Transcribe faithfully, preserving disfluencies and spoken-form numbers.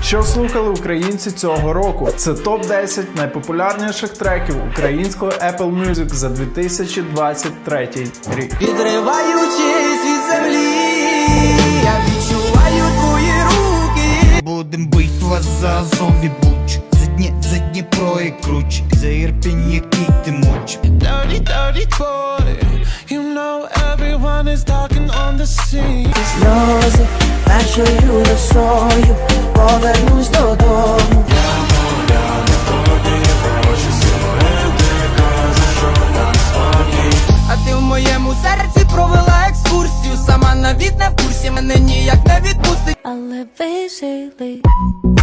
Що слухали українці цього року? Це топ десять найпопулярніших треків українського Apple Music за дві тисячі двадцять третій рік. Відриваючись від землі, я відчуваю твої руки. Будем бить вас за зомбі буч. За дні, за Дніпро і круч. За Ірпінь, який ти муч. Dirty, dirty boy. You know everyone is talking on the scene. Сльози, першою росою, повернусь додому. А ти в моєму серці провела екскурсію. Сама навіть не в курсі, мене ніяк не відпустить. Але ви жили